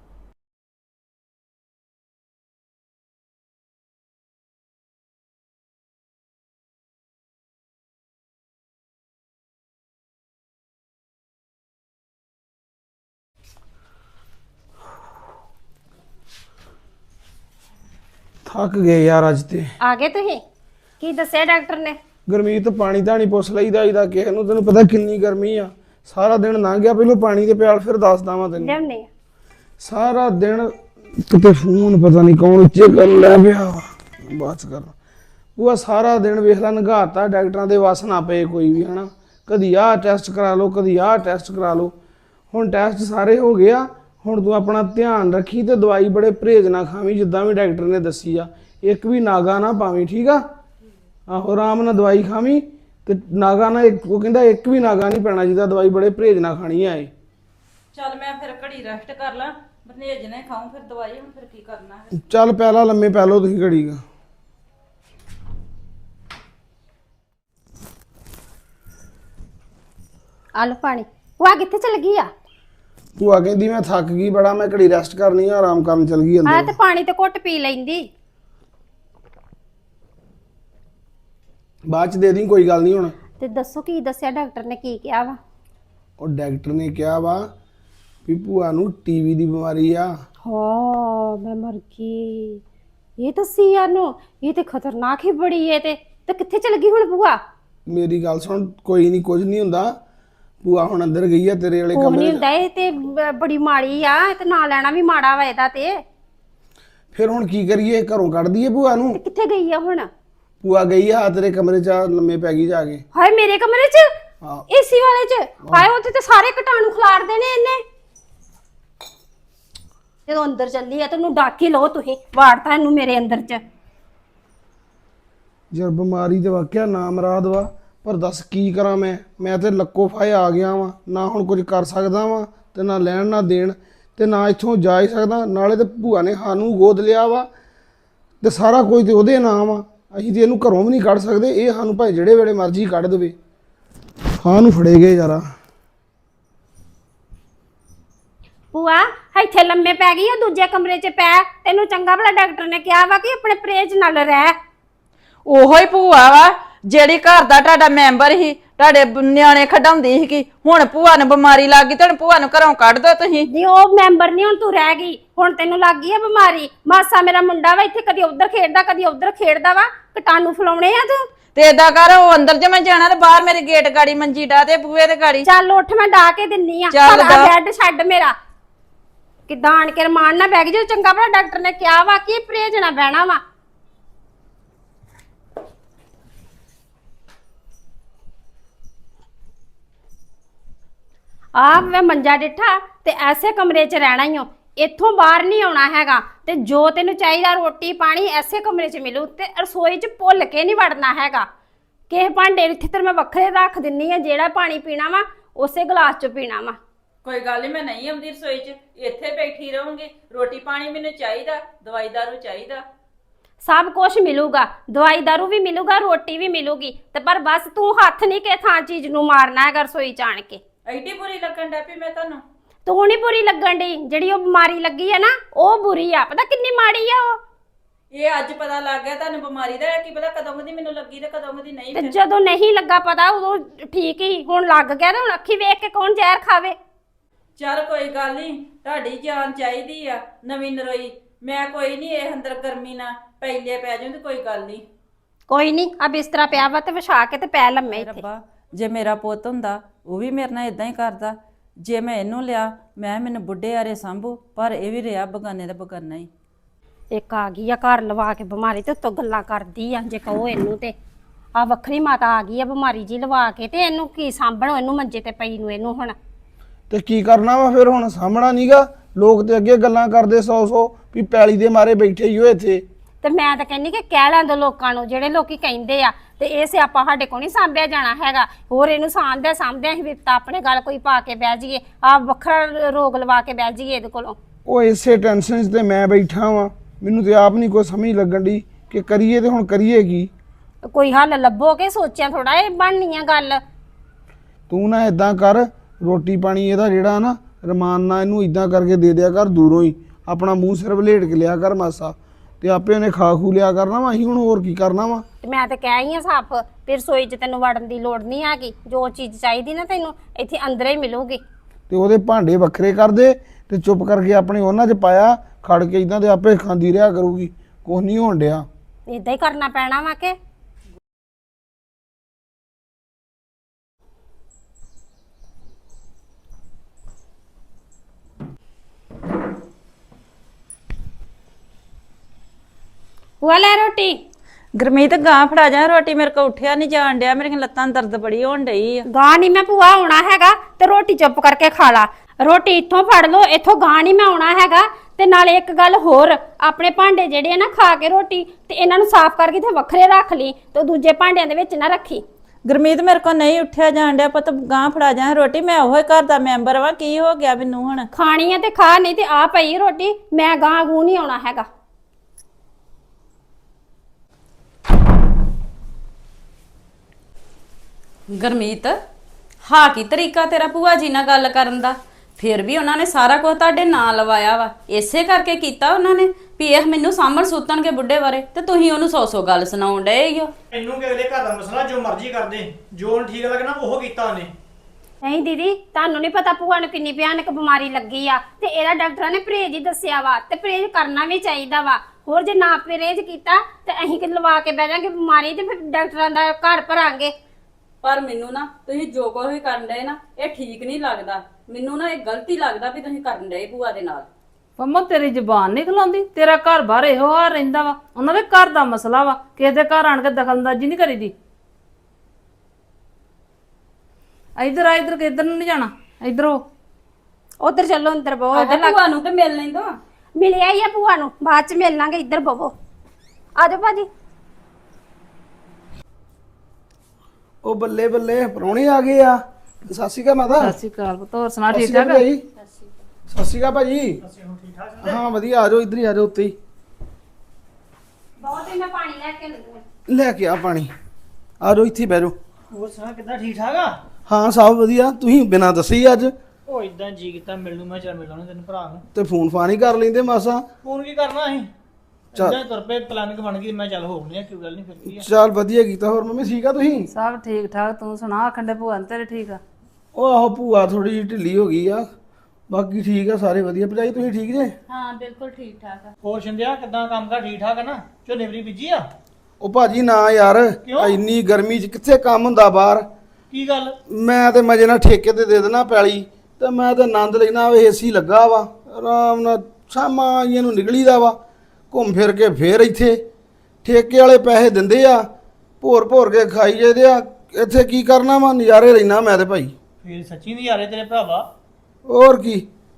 [SPEAKER 2] ਥੱਕ ਗਏ ਯਾਰ ਅੱਜ ਤੇ।
[SPEAKER 4] ਆ ਗਏ ਤੁਸੀਂ? ਕੀ ਦੱਸਿਆ ਡਾਕਟਰ ਨੇ?
[SPEAKER 2] ਗਰਮੀਤ ਪਾਣੀ ਤਾਂ ਨਹੀਂ ਪੁੱਛ ਲਈਦਾ ਇਹਦਾ ਕਿਸੇ ਨੂੰ, ਤੈਨੂੰ ਪਤਾ ਕਿੰਨੀ ਗਰਮੀ ਆ। ਸਾਰਾ ਦਿਨ ਲੰਘ ਗਿਆ, ਪਹਿਲਾਂ ਪਾਣੀ ਦੇ ਪਿਆਲ ਫਿਰ ਦੱਸਦਾ ਵਾਂ ਤੈਨੂੰ।
[SPEAKER 4] ਲਿਆਉਣੀ ਆ।
[SPEAKER 2] ਸਾਰਾ ਦਿਨ ਕਿਤੇ ਫੋਨ ਪਤਾ ਨਹੀਂ ਕੌਣ ਉੱਚੇ ਕਰ ਲੈ ਪਿਆ, ਬਸ ਕਰ। ਉਹ ਸਾਰਾ ਦਿਨ ਵੇਖ ਲੈ ਨਗਾਤਾ, ਡਾਕਟਰਾਂ ਦੇ ਵਸ ਨਾ ਪਏ ਕੋਈ ਵੀ ਹਨਾ। ਕਦੀ ਆਹ ਟੈਸਟ ਕਰਾ ਲਓ, ਕਦੀ ਆਹ ਟੈਸਟ ਕਰਾ ਲਓ। ਹੁਣ ਟੈਸਟ ਸਾਰੇ ਹੋ ਗਏ ਆ, ਹੁਣ ਤੂੰ ਆਪਣਾ ਧਿਆਨ ਰੱਖੀ ਤੇ ਦਵਾਈ ਬੜੇ ਪਰਹੇਜ਼ ਨਾਲ ਖਾਵੀਂ ਜਿੱਦਾਂ ਵੀ ਡਾਕਟਰ ਨੇ ਦੱਸੀ ਆ। ਇੱਕ ਵੀ ਨਾਗਾ ਨਾ ਪਾਵੀਂ, ਠੀਕ ਆ? ਆਹੋ ਆਰਾਮ ਨਾਲ ਦਵਾਈ ਖਾਵੀਂ ਤੇ ਨਾਗਾ ਨਾ ਉਹ ਕਹਿੰਦਾ ਇੱਕ ਵੀ ਨਾਗਾ ਨਹੀਂ ਪੈਣਾ, ਜਿਹਦਾ ਦਵਾਈ ਬੜੇ ਪਰਹੇਜ਼ ਨਾਲ ਖਾਣੀ ਆ ਇਹ।
[SPEAKER 5] ਚੱਲ ਮੈਂ ਫਿਰ ਘੜੀ ਰੈਸਟ ਕਰ ਲਾਂ, ਬਨੇਜ ਨੇ ਖਾऊं ਫਿਰ ਦਵਾਈ। ਹੁਣ ਫਿਰ ਕੀ ਕਰਨਾ ਹੈ?
[SPEAKER 2] ਚੱਲ ਪਹਿਲਾਂ ਲੰਮੇ ਪੈ ਲਓ ਤੁਸੀਂ ਘੜੀ ਗਾ।
[SPEAKER 4] ਆ ਲਓ ਪਾਣੀ। ਭੂਆ ਕਿੱਥੇ ਚਲ ਗਈ ਆ?
[SPEAKER 2] ਭੂਆ ਕਹਿੰਦੀ ਮੈਂ ਥੱਕ ਗਈ ਬੜਾ, ਮੈਂ ਘੜੀ ਰੈਸਟ ਕਰਨੀ ਆ, ਆਰਾਮ ਕਰਨ ਚਲ ਗਈ
[SPEAKER 4] ਆ
[SPEAKER 2] ਅੰਦਰ।
[SPEAKER 4] ਤੇ ਪਾਣੀ ਤੇ ਘੁੱਟ ਪੀ ਲੈਂਦੀ।
[SPEAKER 2] ਬਾਅਦ ਚ ਦੇ ਦੀ, ਕੋਈ ਗੱਲ ਨਹੀਂ। ਹੁਣ
[SPEAKER 4] ਤੇ ਦੱਸੋ ਕੀ ਦੱਸਿਆ ਡਾਕਟਰ ਨੇ, ਕੀ ਕਿਹਾ ਵਾ?
[SPEAKER 2] ਉਹ ਡਾਕਟਰ ਨੇ ਕਿਹਾ ਵਾ ਵੀ ਭੂਆ ਨੂੰ ਟੀਵੀ ਦੀ ਬਿਮਾਰੀ ਆ।
[SPEAKER 4] ਹਾਂ ਮੈਂ ਮਰ ਗਈ। ਇਹ ਦੱਸੀ ਇਹਨੂੰ, ਇਹ ਤੇ ਖਤਰਨਾਕ ਹੀ ਬੜੀ ਏ। ਤੇ ਕਿੱਥੇ ਚਲ ਗਈ ਹੁਣ ਭੂਆ?
[SPEAKER 2] ਮੇਰੀ ਗੱਲ ਸੁਣ, ਕੋਈ ਨਹੀਂ, ਕੁਝ ਨਹੀਂ ਹੁੰਦਾ। ਭੂਆ ਹੁਣ ਅੰਦਰ ਗਈ ਆ ਤੇਰੇ ਵਾਲੇ
[SPEAKER 4] ਉਹ ਨਹੀਂ
[SPEAKER 2] ਕਮਰੇ
[SPEAKER 4] ਹੁੰਦਾ, ਇਹ ਤੇ ਬੜੀ ਮਾੜੀ ਆ। ਇਹ ਤੇ ਨਾਂ ਲੈਣਾ ਵੀ ਮਾੜਾ ਵਾ ਇਹਦਾ। ਤੇ
[SPEAKER 2] ਫਿਰ ਹੁਣ ਕੀ ਕਰੀਏ, ਘਰੋਂ ਕੱਢ ਦਈਏ ਭੂਆ ਨੂੰ?
[SPEAKER 4] ਕਿੱਥੇ ਗਈ ਆ ਹੁਣ?
[SPEAKER 2] ਭੂਆ ਗਈ ਆ ਤੇਰੇ ਕਮਰੇ 'ਚ, ਲੰਮੇ ਪੈ ਗਈ ਜਾ ਕੇ।
[SPEAKER 4] ਹਾਏ ਮੇਰੇ ਕਮਰੇ 'ਚ,
[SPEAKER 2] ਹਾਂ
[SPEAKER 4] ਏਸੀ ਵਾਲੇ 'ਚ? ਹਾਏ ਉੱਥੇ ਤੇ ਸਾਰੇ ਕੀਟਾਣੂ ਖਿਲਾਰ ਦੇਣੇ ਇਹਨੇ। ਜਦੋਂ ਅੰਦਰ ਚੱਲੀ ਆ ਤੈਨੂੰ ਡਾਕ ਹੀ ਲਓ, ਤੁਸੀਂ ਵਾੜਤਾ ਇਹਨੂੰ ਮੇਰੇ ਅੰਦਰ 'ਚ।
[SPEAKER 2] ਯਾਰ ਬਿਮਾਰੀ ਤੇ ਵਾਕਿਆ ਨਾ ਮਰਾਦ ਵਾ, ਪਰ ਦੱਸ ਕੀ ਕਰਾਂ ਮੈਂ ਤੇ ਲੱਕੋ ਫਾਏ ਆ ਗਿਆ ਵਾਂ। ਨਾ ਹੁਣ ਕੁਝ ਕਰ ਸਕਦਾ ਵਾਂ ਤੇ ਨਾ ਲੈਣ ਨਾ ਦੇਣ, ਤੇ ਨਾ ਇੱਥੋਂ ਜਾ ਹੀ ਸਕਦਾ। ਨਾਲੇ ਤੇ ਭੂਆ ਨੇ ਸਾਨੂੰ ਗੋਦ ਲਿਆ ਵਾ ਤੇ ਸਾਰਾ ਕੁਝ ਤੇ ਉਹਦੇ ਨਾਮ ਆ। ਅਸੀਂ ਤੇ ਇਹਨੂੰ ਘਰੋਂ ਵੀ ਨਹੀਂ ਕੱਢ ਸਕਦੇ, ਇਹ ਸਾਨੂੰ ਭਾਵੇਂ ਜਿਹੜੇ ਵੇਲੇ ਮਰਜ਼ੀ ਕੱਢ ਦੇਵੇ। ਸਾਨੂੰ ਫੜੇ ਗਏ ਯਾਰਾ।
[SPEAKER 4] ਭੂਆ ਇੱਥੇ ਲੰਮੇ ਪੈ ਗਈ ਆ, ਦੂਜੇ ਕਮਰੇ 'ਚ ਪੈ। ਤੈਨੂੰ ਚੰਗਾ ਭਲਾ ਡਾਕਟਰ ਨੇ ਕਿਹਾ ਵਾ ਕਿ ਆਪਣੇ ਪਰਹੇਜ਼ ਨਾਲ ਰਹਿ।
[SPEAKER 5] ਉਹੋ ਹੀ ਭੂਆ ਵਾ ਜਿਹੜੀ ਘਰ ਦਾ ਤੁਹਾਡਾ ਮੈਂਬਰ ਸੀ, ਤੁਹਾਡੇ ਨਿਆਣੇ ਖਡਾਉਂਦੀ ਸੀਗੀ। ਹੁਣ ਭੂਆ ਨੂੰ ਬਿਮਾਰੀ ਲੱਗ ਗਈ ਤੇ ਹੁਣ ਭੂਆ ਨੂੰ ਘਰੋਂ ਕੱਢ ਦੋ ਤੁਸੀਂ।
[SPEAKER 4] ਨਹੀਂ ਉਹ ਮੈਂਬਰ ਨਹੀਂ, ਹੁਣ ਤੂੰ ਰਹਿ ਗਈ। ਹੁਣ ਤੈਨੂੰ ਲੱਗ ਗਈ ਆ ਬਿਮਾਰੀ। ਮਾਸਾ ਮੇਰਾ ਮੁੰਡਾ ਵਾ, ਇੱਥੇ ਕਦੀ ਉੱਧਰ ਖੇਡਦਾ ਕਦੀ ਉੱਧਰ ਖੇਡਦਾ ਵਾ। ਕੀਟਾਣੂ ਫਲਾਉਣੇ ਆ ਤੂੰ।
[SPEAKER 5] ਤੇ ਏਦਾਂ ਕਰ, ਉਹ ਅੰਦਰ ਜੇ ਮੈਂ ਜਾਣਾ ਤੇ ਬਾਹਰ ਮੇਰੇ ਗੇਟ ਗਾੜੀ ਮੰਜੀ ਡਾ ਤੇ ਬੂਹੇ ਤੇ ਗਾੜੀ।
[SPEAKER 4] ਚੱਲ ਉੱਠ, ਮੈਂ ਡਾ ਕੇ ਦਿੰਨੀ ਆ।
[SPEAKER 5] ਚੱਲ
[SPEAKER 4] ਆ
[SPEAKER 5] ਡਾ।
[SPEAKER 4] ਬੈੱਡ ਛੱਡ ਮੇਰਾ। ਕਿੱਦਾਂ ਆਣ ਕੇ ਰਮਾਨ ਨਾ ਬਹਿ ਗਈ, ਜਦੋਂ ਚੰਗਾ ਭਲਾ ਡਾਕਟਰ ਨੇ ਕਿਹਾ ਵਾ ਕਿ ਪਰਹੇਜ਼ ਨਾ ਬਹਿਣਾ ਵਾ। ਆ ਮੈਂ ਮੰਜਾ ਡਿੱਠਾ ਤੇ ਐਸੇ ਕਮਰੇ 'ਚ ਰਹਿਣਾ ਹੀ ਹੋ, ਇੱਥੋਂ ਬਾਹਰ ਨਹੀਂ ਆਉਣਾ ਹੈਗਾ। ਤੇ ਜੋ ਤੈਨੂੰ ਚਾਹੀਦਾ ਰੋਟੀ ਪਾਣੀ ਐਸੇ ਕਮਰੇ 'ਚ ਮਿਲੂ। ਤੇ ਰਸੋਈ 'ਚ ਭੁੱਲ ਕੇ ਨਹੀਂ ਵੜਨਾ ਹੈਗਾ। ਕਿਸੇ ਭਾਂਡੇ ਇੱਥੇ ਤੇ ਮੈਂ ਵੱਖਰੇ ਰੱਖ ਦਿੰਨੀ ਆ, ਜਿਹੜਾ ਪਾਣੀ ਪੀਣਾ ਵਾ ਉਸੇ ਗਲਾਸ 'ਚ ਪੀਣਾ ਵਾ।
[SPEAKER 5] ਕੋਈ ਗੱਲ ਨਹੀਂ, ਮੈਂ ਨਹੀਂ ਆਉਂਦੀ ਰਸੋਈ 'ਚ, ਇੱਥੇ ਬੈਠੀ ਰਹੂੰਗੀ। ਰੋਟੀ ਪਾਣੀ ਮੈਨੂੰ ਚਾਹੀਦਾ, ਦਵਾਈ ਦਾਰੂ ਚਾਹੀਦਾ,
[SPEAKER 4] ਸਭ ਕੁਝ ਮਿਲੂਗਾ। ਦਵਾਈ ਦਾਰੂ ਵੀ ਮਿਲੂਗਾ, ਰੋਟੀ ਵੀ ਮਿਲੂਗੀ। ਤੇ ਪਰ ਬਸ ਤੂੰ ਹੱਥ ਨਹੀਂ ਕਿਸੇ ਥਾਂ ਚੀਜ਼ ਨੂੰ ਮਾਰਨਾ ਹੈਗਾ ਰਸੋਈ 'ਚ ਆਣ ਕੇ।
[SPEAKER 5] ਐਡੀ ਬੁਰੀ ਲੱਗਣ ਡੈ ਪਈ ਮੈਂ ਤੁਹਾਨੂੰ?
[SPEAKER 4] ਤੂੰ ਨਹੀਂ ਬੁਰੀ ਲੱਗਣ ਡਈ, ਜਿਹੜੀ ਉਹ ਬਿਮਾਰੀ ਲੱਗੀ ਹੈ ਨਾ ਉਹ ਬੁਰੀ ਆ। ਪਤਾ ਕਿੰਨੀ ਮਾੜੀ ਆ ਉਹ।
[SPEAKER 5] ਇਹ ਅੱਜ ਪਤਾ ਲੱਗ ਗਿਆ ਤੁਹਾਨੂੰ ਬਿਮਾਰੀ ਦਾ, ਕੀ ਪਤਾ ਕਦੋਂ ਦੀ ਮੈਨੂੰ ਲੱਗੀ ਤੇ ਕਦੋਂ ਦੀ ਨਹੀਂ।
[SPEAKER 4] ਤੇ ਜਦੋਂ ਨਹੀਂ ਲੱਗਾ ਪਤਾ ਉਦੋਂ ਠੀਕ ਹੀ, ਹੁਣ ਲੱਗ ਗਿਆ ਤੇ ਹੁਣ ਅੱਖੀ ਵੇਖ ਕੇ ਕੌਣ ਜ਼ਹਿਰ ਖਾਵੇ।
[SPEAKER 5] ਚੱਲ ਕੋਈ ਗੱਲ ਨਹੀਂ, ਤੁਹਾਡੀ ਜਾਨ ਚਾਹੀਦੀ ਆ ਨਵੀਂ ਨਰੋਈ। ਮੈਂ ਕੋਈ ਨਹੀਂ, ਇਹ ਅੰਦਰ ਗਰਮੀ ਨਾ ਪੈਲੇ ਪੈ ਜਾਉਂ ਤੇ ਕੋਈ ਗੱਲ ਨਹੀਂ।
[SPEAKER 4] ਕੋਈ ਨਹੀਂ, ਆ ਬਿਸਤਰਾ ਪਿਆ ਵਾ ਤੇ ਵਿਛਾ ਕੇ ਤੇ ਪੈ ਲੰਮੇ ਇੱਥੇ।
[SPEAKER 5] ਰੱਬਾ, ਜੇ ਮੇਰਾ ਪੁੱਤ ਹੁੰਦਾ ਉਹ ਵੀ ਮੇਰੇ ਨਾਲ ਇਦਾਂ ਹੀ ਕਰਦਾ। ਜੇ ਮੈਂ ਇਹਨੂੰ ਲਿਆ, ਮੈਨੂੰ ਬੁੱਢੇ ਆਰੇ ਸੰਭੂ, ਪਰ ਇਹ ਵੀ ਰਿਹਾ ਬਗਾਨੇ ਦਾ ਬਗਾਨਾ ਹੀ।
[SPEAKER 4] ਇੱਕ ਆ ਗਈ ਆ ਘਰ ਲਵਾ ਕੇ ਬਿਮਾਰੀ, ਤੇ ਉੱਤੋਂ ਗੱਲਾਂ ਕਰਦੀ ਆ। ਜੇ ਕਹੋ ਇਹਨੂੰ ਤੇ ਆ ਵੱਖਰੀ ਮਾਤਾ ਆ ਗਈ ਆ ਬਿਮਾਰੀ ਜੀ ਲਵਾ ਕੇ, ਤੇ ਇਹਨੂੰ ਕੀ ਸਾਂਭਣੋ, ਇਹਨੂੰ ਮੰਜੇ ਤੇ ਪਈ ਨੂੰ ਇਹਨੂੰ ਹੁਣ।
[SPEAKER 2] ਤੇ ਕੀ ਕਰਨਾ ਵਾ ਫਿਰ ਹੁਣ? ਸਾਹਮਣਾ ਨਹੀਂਗਾ। ਲੋਕ ਤੇ ਅੱਗੇ ਗੱਲਾਂ ਕਰਦੇ 100 ਵੀ ਪੈਲੀ ਦੇ ਮਾਰੇ ਬੈਠੇ ਹੀ ਹੋ ਇੱਥੇ।
[SPEAKER 4] ਤੇ ਮੈਂ ਤਾਂ ਕਹਿੰਨੀ ਕਿ ਕਹਿ ਲੈਂਦੋ ਲੋਕਾਂ ਨੂੰ, ਜਿਹੜੇ ਲੋਕੀ ਕਹਿੰਦੇ ਆ। ਤੇ ਇਹ ਸਿਆਪਾ ਸਾਡੇ ਕੋਲ ਨਹੀਂ ਸਾਂਭਿਆ ਜਾਣਾ ਹੈਗਾ। ਹੋਰ ਇਹਨੂੰ ਸਾਂਭਦਿਆਂ ਅਸੀਂ ਵਿਪਤਾ ਆਪਣੇ ਗੱਲ ਕੋਈ ਪਾ ਕੇ ਬਹਿ ਜਾਈਏ, ਆ ਵੱਖਰਾ ਰੋਗ ਲਵਾ ਕੇ ਬਹਿ ਜਾਈਏ ਇਹਦੇ ਕੋਲੋਂ।
[SPEAKER 2] ਉਹ ਇਸੇ ਟੈਨਸ਼ਨ 'ਚ ਤੇ ਮੈਂ ਬੈਠਾ ਵਾਂ ਮੈਨੂੰ ਤੇ ਆਪ ਨਹੀਂ ਕੋਈ ਸਮਝ ਲੱਗਣ ਦੀ ਕਿ ਕਰੀਏ ਤੇ ਹੁਣ ਕਰੀਏ ਕੀ।
[SPEAKER 4] ਕੋਈ ਹੱਲ ਲੱਭੋ ਕਿ ਸੋਚਿਆ ਥੋੜਾ ਇਹ ਬਣਨੀ ਆ ਗੱਲ।
[SPEAKER 2] ਤੂੰ ਨਾ ਇਦਾਂ ਕਰ, ਰੋਟੀ ਪਾਣੀ ਇਹਦਾ ਜਿਹੜਾ ਨਾ ਰਮਾਨ ਨਾਲ ਇਹਨੂੰ ਇਦਾਂ ਕਰਕੇ ਦੇ ਦਿਆ ਕਰ, ਦੂਰੋਂ ਹੀ ਆਪਣਾ ਮੂੰਹ ਸਿਰ ਵਲੇਟ ਕੇ ਲਿਆ ਕਰ ਮਾਸਾ, ਤੇ ਆਪੇ ਉਹਨੇ ਖਾ ਖੂ ਲਿਆ ਕਰਨਾ ਵਾ। ਅਸੀਂ ਹੁਣ ਹੋਰ ਕੀ ਕਰਨਾ ਵਾ।
[SPEAKER 4] ਤੇ ਮੈਂ ਤੇ ਕਹਿ ਹੀ ਆ ਸਾਫ, ਫਿਰ ਰਸੋਈ 'ਚ ਤੈਨੂੰ ਵੜਨ ਦੀ ਲੋੜ ਨਹੀਂ ਹੈਗੀ। ਜੋ ਚੀਜ਼ ਚਾਹੀਦੀ ਨਾ ਤੈਨੂੰ ਇੱਥੇ ਅੰਦਰ ਹੀ ਮਿਲੂਗੀ।
[SPEAKER 2] ਤੇ ਉਹਦੇ ਭਾਂਡੇ ਵੱਖਰੇ ਕਰ ਦੇ ਤੇ ਚੁੱਪ ਕਰਕੇ ਆਪਣੇ ਉਹਨਾਂ 'ਚ ਪਾਇਆ ਖੜ ਕੇ, ਇਦਾਂ ਤੇ ਆਪੇ ਖਾਂਦੀ ਰਿਹਾ ਕਰੂਗੀ, ਕੁਛ ਨਹੀਂ ਹੋਣ ਡਿਆ।
[SPEAKER 4] ਇਦਾਂ ਹੀ ਕਰਨਾ ਪੈਣਾ ਵਾ ਕਿ ਭੂਆ ਲੈ ਰੋਟੀ।
[SPEAKER 5] ਗੁਰਮੀਤ ਗਾਂ ਫੜਾ ਜਾ ਰੋਟੀ, ਮੇਰੇ ਕੋ ਉੱਠਿਆ ਨਹੀਂ ਜਾਣ ਡਿਆ, ਮੇਰੀਆਂ ਲੱਤਾਂ ਦਰਦ ਬੜੀ ਹੋਣ ਡਈ ਆ।
[SPEAKER 4] ਗਾਂ ਨਹੀਂ ਮੈਂ ਭੂਆ ਆਉਣਾ ਹੈਗਾ ਤੇ ਰੋਟੀ ਚੁੱਪ ਕਰਕੇ ਖਾ ਲਾ। ਰੋਟੀ ਇੱਥੋਂ ਫੜ ਲਓ, ਇੱਥੋਂ ਗਾਂ ਨਹੀਂ ਮੈਂ ਆਉਣਾ ਹੈਗਾ। ਤੇ ਨਾਲੇ ਇੱਕ ਗੱਲ ਹੋਰ, ਆਪਣੇ ਭਾਂਡੇ ਜਿਹੜੇ ਆ ਨਾ ਖਾ ਕੇ ਰੋਟੀ ਤੇ ਇਹਨਾਂ ਨੂੰ ਸਾਫ਼ ਕਰਕੇ ਤੇ ਵੱਖਰੇ ਰੱਖ ਲਈ ਤੇ ਦੂਜੇ ਭਾਂਡਿਆਂ ਦੇ ਵਿੱਚ ਨਾ ਰੱਖੀ।
[SPEAKER 5] ਗੁਰਮੀਤ ਮੇਰੇ ਕੋ ਨਹੀਂ ਉੱਠਿਆ ਜਾਣ ਡਿਆ ਪੁੱਤ, ਗਾਂ ਫੜਾ ਜਾ ਰੋਟੀ। ਮੈਂ ਉਹੀ ਘਰ ਦਾ ਮੈਂਬਰ ਵਾਂ, ਕੀ ਹੋ ਗਿਆ ਮੈਨੂੰ ਹੁਣ?
[SPEAKER 4] ਖਾਣੀ ਆ ਤੇ ਖਾ, ਨਹੀਂ ਤੇ ਆ ਪਈ ਰੋਟੀ। ਮੈਂ ਗਾਂ ਗੂ ਨਹੀਂ ਆਉਣਾ ਹੈਗਾ।
[SPEAKER 3] ਗਰਮੀਤ, ਹਾਂ ਕੀ ਤਰੀਕਾ ਤੇਰਾ ਭੂਆ ਜੀ ਨਾਲ ਗੱਲ ਕਰਨ ਦਾ? ਫਿਰ ਵੀ ਉਹਨਾਂ ਨੇ ਸਾਰਾ ਕੁਝ ਤੁਹਾਡੇ ਨਾਂ ਲਵਾਇਆ ਵਾ, ਇਸੇ ਕਰਕੇ ਕੀਤਾ ਉਹਨਾਂ ਨੇ ਵੀ ਇਹ ਮੈਨੂੰ ਸਾਂਭਣ ਸੁੱਤਣਗੇ ਬੁੱਢੇ ਬਾਰੇ, ਤੇ ਤੁਸੀਂ ਉਹਨੂੰ 100 ਗੱਲ ਸੁਣਾਉਣ ਡਏ ਹੋ।
[SPEAKER 1] ਇਹਨੂੰ ਕਿ ਅਗਲੇ ਘਰ ਦਾ ਮਸਲਾ ਜੋ ਮਰਜ਼ੀ ਕਰਦੇ, ਜੋ ਉਹਨੂੰ ਠੀਕ ਲੱਗਣਾ ਉਹ ਕੀਤਾ ਉਹਨੇ।
[SPEAKER 4] ਨਹੀਂ ਦੀਦੀ, ਤੁਹਾਨੂੰ ਨਹੀਂ ਪਤਾ ਭੂਆ ਨੂੰ ਕਿੰਨੀ ਭਿਆਨਕ ਬਿਮਾਰੀ ਲੱਗੀ ਆ ਤੇ ਇਹਦਾ ਡਾਕਟਰਾਂ ਨੇ ਪਰਹੇਜ਼ ਹੀ ਦੱਸਿਆ ਵਾ, ਤੇ ਪਰਹੇਜ਼ ਕਰਨਾ ਵੀ ਚਾਹੀਦਾ ਵਾ। ਹੋਰ ਜੇ ਨਾ ਪਰਹੇਜ਼ ਕੀਤਾ ਤੇ ਅਸੀਂ ਕਿ ਲਵਾ ਕੇ ਬਹਿ ਜਾਾਂਗੇ ਬਿਮਾਰੀ, ਤੇ ਫਿਰ ਡਾਕਟਰਾਂ ਦਾ ਘਰ ਭਰਾਂਗੇ।
[SPEAKER 3] ਪਰ ਮੈਨੂੰ ਨਾ ਤੁਸੀਂ ਜੋ ਕੁਝ ਵੀ ਕਰਨ ਡਏ ਨਾ, ਇਹ ਠੀਕ ਨਹੀਂ ਲੱਗਦਾ। ਮੈਨੂੰ ਨਾ ਇਹ ਗਲਤੀ ਲੱਗਦਾ ਵੀ ਤੁਸੀਂ ਕਰਨ ਡਏ ਭੂਆ ਦੇ ਨਾਲ।
[SPEAKER 6] ਪੰਮਾ ਤੇਰੀ ਜ਼ੁਬਾਨ ਨਹੀਂ ਖਲਾਉਂਦੀ, ਤੇਰਾ ਘਰ ਬਾਹਰ ਇਹੋ ਹਾਲ ਰਹਿੰਦਾ ਵਾ। ਉਹਨਾਂ ਦੇ ਘਰ ਦਾ ਮਸਲਾ ਵਾ, ਕਿਸੇ ਦੇ ਘਰ ਆਣ ਕੇ ਦਖਲਅੰਦਾਜ਼ੀ ਨਹੀਂ ਕਰੀਦੀ। ਇੱਧਰ ਆ, ਇੱਧਰ ਕਿੱਧਰ ਨੂੰ ਨਹੀਂ ਜਾਣਾ, ਇੱਧਰ ਹੋ।
[SPEAKER 4] ਉਧਰ ਚੱਲੋ, ਅੰਦਰ ਬਵੋ।
[SPEAKER 3] ਆਹ ਭੂਆ ਨੂੰ ਤੇ ਮਿਲ ਲੈਂਦੋ।
[SPEAKER 4] ਮਿਲਿਆ ਹੀ ਆ ਭੂਆ ਨੂੰ, ਬਾਅਦ ਚ ਮਿਲ ਲਾਂਗੇ। ਇੱਧਰ ਬਵੋ, ਆ ਜਾਓ ਭਾਜੀ।
[SPEAKER 2] ਉਹ ਬੱਲੇ ਬੱਲੇ, ਪ੍ਰਾਹੁਣੇ ਆ ਗਏ ਆ। ਸਤਿ ਸ਼੍ਰੀ ਅਕਾਲ ਮਾਤਾ।
[SPEAKER 6] ਸਤਿ ਸ਼੍ਰੀ ਅਕਾਲ ਪੁੱਤ, ਹੋਰ ਸੁਣਾ?
[SPEAKER 2] ਸਤਿ
[SPEAKER 6] ਠੀਕ
[SPEAKER 2] ਸ਼੍ਰੀ
[SPEAKER 6] ਠਾਕ?
[SPEAKER 2] ਅਕਾਲ ਭਾਈ। ਸਤਿ ਸ਼੍ਰੀ ਅਕਾਲ ਭਾਜੀ। ਹਾਂ ਵਧੀਆ, ਆ ਜਾਓ ਇੱਧਰ ਹੀ ਆ ਜਾਓ, ਉੱਤੇ ਹੀ
[SPEAKER 4] ਬਹੁਤ ਹੀ ਮੈਂ ਪਾਣੀ ਲੈ ਕੇ ਆਉਂਦੀ ਹਾਂ।
[SPEAKER 2] ਲੈ ਕੇ ਆ ਪਾਣੀ। ਆ ਜਾਓ, ਇੱਥੇ ਹੀ ਬਹਿ ਜਾਓ।
[SPEAKER 1] ਹੋਰ ਸੁਣਾ ਕਿੱਦਾਂ, ਠੀਕ ਠਾਕ ਆ?
[SPEAKER 2] ਹਾਂ ਸਭ ਵਧੀਆ। ਤੁਸੀਂ ਬਿਨਾਂ ਦੱਸੇ ਹੀ ਅੱਜ
[SPEAKER 1] ਉਹ ਇਦਾਂ ਜੀ ਕੀਤਾ ਮਿਲ ਨੂੰ, ਮੈਂ ਚੱਲ ਮਿਲਾਉਣਾ ਤੈਨੂੰ ਭਰਾ ਨੂੰ।
[SPEAKER 2] ਤੇ ਫੋਨ ਫਾਨ ਹੀ ਕਰ ਲੈਂਦੇ ਮਾਸਾ।
[SPEAKER 1] ਫੋਨ ਕੀ ਕਰਨਾ ਅਸੀਂ,
[SPEAKER 2] ਚੱਲ।
[SPEAKER 1] ਇਦਾਂ ਤੁਰ ਪਏ, ਪਲਾਨਿੰਗ ਬਣ ਗਈ। ਮੈਂ ਚੱਲ ਹੋ ਗਈ, ਕੋਈ ਗੱਲ ਨਹੀਂ, ਫਿਰ ਕੀ ਆ।
[SPEAKER 2] ਚੱਲ ਵਧੀਆ ਕੀਤਾ। ਹੋਰ ਮੰਮੀ ਠੀਕ ਆ ਤੁਸੀਂ?
[SPEAKER 6] ਸਭ ਠੀਕ ਠਾਕ, ਤੂੰ ਸੁਣਾ? ਆਖਣ ਦੇ ਭੂਆ ਨੇ ਤੇਰੇ ਠੀਕ ਆ?
[SPEAKER 2] ਉਹ ਆਹੋ ਭੂਆ ਥੋੜੀ ਜਿਹੀ ਢਿੱਲੀ ਹੋ ਗਈ ਆ, ਬਾਕੀ ਠੀਕ ਆ ਸਾਰੇ ਵਧੀਆ। ਭਜਾਈ ਤੁਸੀਂ ਠੀਕ ਜੇ?
[SPEAKER 3] ਹਾਂ ਬਿਲਕੁਲ ਠੀਕ ਠਾਕ ਆ।
[SPEAKER 1] ਹੋਰ ਸ਼ਿੰਦਿਆ ਕਿੱਦਾਂ, ਕੰਮ ਕਾਰ ਠੀਕ ਠਾਕ ਆ ਨਾ? ਝੋਨੇ ਵਰੀ ਬੀਜੀ ਆ?
[SPEAKER 2] ਉਹ ਭਾਜੀ ਨਾ ਯਾਰ,
[SPEAKER 1] ਕਿਉਂ?
[SPEAKER 2] ਇੰਨੀ ਗਰਮੀ 'ਚ ਕਿੱਥੇ ਕੰਮ ਹੁੰਦਾ ਬਾਹਰ।
[SPEAKER 1] ਕੀ ਗੱਲ?
[SPEAKER 2] ਮੈਂ ਤੇ ਮਜੇ ਨਾਲ ਠੇਕੇ ਤੇ ਦੇ ਦੇਣਾ ਪੈਲੀ, ਤੇ ਮੈਂ ਤੇ ਆਨੰਦ ਲੈਣਾ। ਏਸੀ ਲੱਗਾ ਵਾ, ਆਰਾਮ ਨਾਲ ਸ਼ਾਮਾਂ ਇਹਨੂੰ ਨਿਕਲੀਦਾ ਵਾ, ਘੁੰਮ ਫਿਰ ਕੇ ਫੇਰ ਇੱਥੇ ਠੇਕੇ ਵਾਲੇ ਪੈਸੇ ਦਿੰਦੇ ਆ, ਭੋਰ ਭੋਰ ਕੇ ਖਾਈ ਜਾਂਦੇ ਆ। ਇੱਥੇ ਕੀ ਕਰਨਾ ਵਾ, ਨਜ਼ਾਰੇ ਲੈਣਾ ਮੈਂ ਤੇ ਭਾਈ।
[SPEAKER 1] ਫੇਰ ਸੱਚੀ ਨਜ਼ਾਰੇ ਤੇਰੇ ਭਰਾਵਾ।
[SPEAKER 2] ਹੋਰ ਕੀ।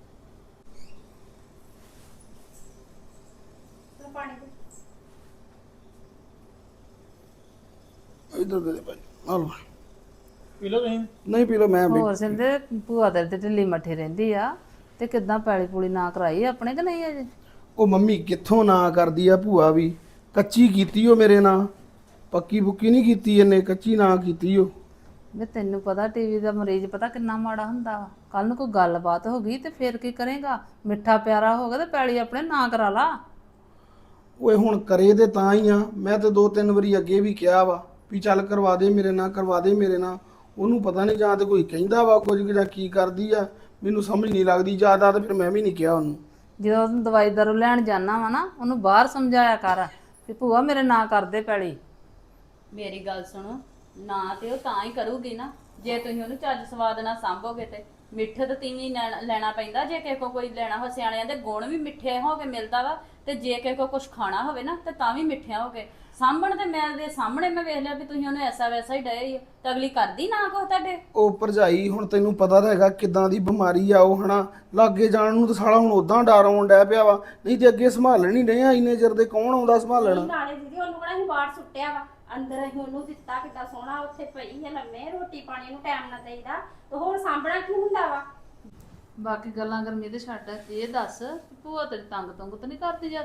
[SPEAKER 2] ਇੱਧਰ ਦੇ ਦੇ ਭਾਈ, ਆ ਲਓ।
[SPEAKER 1] ਪੀ ਲਓ ਤੁਸੀਂ।
[SPEAKER 2] ਨਹੀਂ ਪੀ ਲਓ, ਮੈਂ
[SPEAKER 6] ਹੋਰ ਸਿੰਦੇ ਭੂਆ ਤੇਰੇ ਤੇ ਢਿੱਲੀ ਮੱਠੀ ਰਹਿੰਦੀ ਆ, ਤੇ ਕਿੱਦਾਂ ਪੈਲੀ ਪੂਲੀ ਨਾ ਕਰਾਈ ਆਪਣੇ ਕਿ ਨਹੀਂ ਅਜੇ?
[SPEAKER 2] ਉਹ ਮੰਮੀ ਕਿੱਥੋਂ ਨਾ ਕਰਦੀ ਆ ਭੂਆ ਵੀ, ਕੱਚੀ ਕੀਤੀ ਉਹ ਮੇਰੇ ਨਾਲ, ਪੱਕੀ ਪੁੱਕੀ ਨਹੀਂ ਕੀਤੀ ਇਹਨੇ, ਕੱਚੀ ਨਾ ਕੀਤੀ ਉਹ।
[SPEAKER 6] ਵੇ ਤੈਨੂੰ ਪਤਾ ਟੀਵੀ ਦਾ ਮਰੀਜ਼ ਪਤਾ ਕਿੰਨਾ ਮਾੜਾ ਹੁੰਦਾ ਵਾ। ਕੱਲ ਨੂੰ ਕੋਈ ਗੱਲਬਾਤ ਹੋ ਗਈ ਤੇ ਫੇਰ ਕੀ ਕਰੇਗਾ? ਮਿੱਠਾ ਪਿਆਰਾ ਹੋ ਗਿਆ ਤੇ ਪੈਲੀ ਆਪਣੇ ਨਾਂ ਕਰਾ ਲਾ।
[SPEAKER 2] ਓਏ ਹੁਣ ਕਰੇ ਤੇ ਤਾਂ ਹੀ ਆ। ਮੈਂ ਤੇ 2-3 ਵਾਰੀ ਅੱਗੇ ਵੀ ਕਿਹਾ ਵਾ ਵੀ ਚੱਲ ਕਰਵਾ ਦੇ ਮੇਰੇ ਨਾਲ, ਕਰਵਾ ਦੇ ਮੇਰੇ ਨਾਲ। ਉਹਨੂੰ ਪਤਾ ਨਹੀਂ, ਜਾਂ ਤੇ ਕੋਈ ਕਹਿੰਦਾ ਵਾ ਕੁਝ ਜਾਂ ਕੀ ਕਰਦੀ ਆ, ਮੈਨੂੰ ਸਮਝ ਨਹੀਂ ਲੱਗਦੀ ਜ਼ਿਆਦਾ। ਤੇ ਫਿਰ ਮੈਂ ਵੀ ਨਹੀਂ ਕਿਹਾ ਉਹਨੂੰ।
[SPEAKER 6] ਜਦੋਂ ਉਹਨੂੰ ਦਵਾਈ ਦਾਰੂ ਲੈਣ ਜਾਣਾ ਵਾ ਨਾ, ਉਹਨੂੰ ਬਾਹਰ ਸਮਝਾਇਆ ਕਰ ਵੀ ਭੂਆ ਮੇਰੇ ਨਾਂ ਕਰਦੇ ਪੈਲੀ।
[SPEAKER 3] ਮੇਰੀ ਗੱਲ ਸੁਣੋ, ਨਾ ਤੇ ਉਹ ਤਾਂ ਹੀ ਕਰੂਗੀ ਨਾ ਜੇ ਤੁਸੀਂ ਉਹਨੂੰ ਚੱਜ ਸਵਾਦ ਨਾਲ ਸਾਂਭੋਗੇ। ਤੇ ਮਿੱਠੇ ਤਾਂ ਤੀਵੀਂ ਲੈਣਾ ਪੈਂਦਾ। ਜੇ ਕਿਸੇ ਕੋ ਕੋਈ ਲੈਣਾ ਹੋ, ਸਿਆਣਿਆਂ ਦੇ ਗੁਣ ਵੀ ਮਿੱਠੇ ਹੋ ਕੇ ਮਿਲਦਾ ਵਾ, ਤੇ ਜੇ ਕਿਸੇ ਕੋ ਕੁਝ ਖਾਣਾ ਹੋਵੇ ਨਾ ਤੇ ਤਾਂ ਵੀ ਮਿੱਠਿਆਂ ਹੋ ਕੇ ਸਾਂਭਣ। ਤੇ ਮੈਂ ਦੇ ਸਾਹਮਣੇ ਮੈਂ ਵੇਖ ਲਿਆ ਵੀ ਤੁਸੀਂ ਉਹਨੂੰ ਐਸਾ ਵੈਸਾ ਹੀ ਡਏ ਹੀ, ਤਾਂ ਅਗਲੀ ਕਰਦੀ ਨਾ ਕੋ ਤੁਹਾਡੇ।
[SPEAKER 2] ਉਹ ਭਰਜਾਈ ਹੁਣ ਤੈਨੂੰ ਪਤਾ ਤਾਂ ਹੈਗਾ ਕਿੱਦਾਂ ਦੀ ਬਿਮਾਰੀ ਆ ਉਹ, ਹਨਾ। ਲਾਗੇ ਜਾਣ ਨੂੰ ਤਾਂ ਸਾਲਾ ਹੁਣ ਉਦਾਂ ਡਰ ਆਉਣ ਡੈ ਪਿਆ ਵਾ, ਨਹੀਂ ਤੇ ਅੱਗੇ ਸੰਭਾਲਣ ਹੀ ਨਹੀਂ ਆ ਇੰਨੇ ਚਿਰ ਦੇ। ਕੌਣ ਆਉਂਦਾ ਸੰਭਾਲਣ?
[SPEAKER 4] ਨਾਲੇ ਦੀਦੀ ਉਹਨੂੰ ਕਿਹੜਾ ਅਸੀਂ ਬਾਹਰ ਸੁੱਟਿਆ ਵਾ, ਅੰਦਰ ਅਸੀਂ ਉਹਨੂੰ ਦਿੱਤਾ। ਕਿੱਦਾਂ ਸੋਹਣਾ ਉੱਥੇ ਪਈ ਹੈ ਲੰਮੇ, ਰੋਟੀ ਪਾਣੀ ਨੂੰ ਟਾਈਮ ਨਾਲ ਦੇਈਦਾ, ਤੇ ਹੋਰ ਸਾਂਭਣਾ ਕੀ ਹੁੰਦਾ ਵਾ।
[SPEAKER 6] ਬਾਕੀ ਗੱਲਾਂ ਗਰਮੀ ਦੇ ਛੱਡ, ਇਹ ਦੱਸ ਭੂਆ ਤੇਰੀ ਤੰਗ ਤੁੰਗ ਤਾਂ ਨਹੀਂ ਕਰਦੀ ਜ਼ਿਆਦਾ?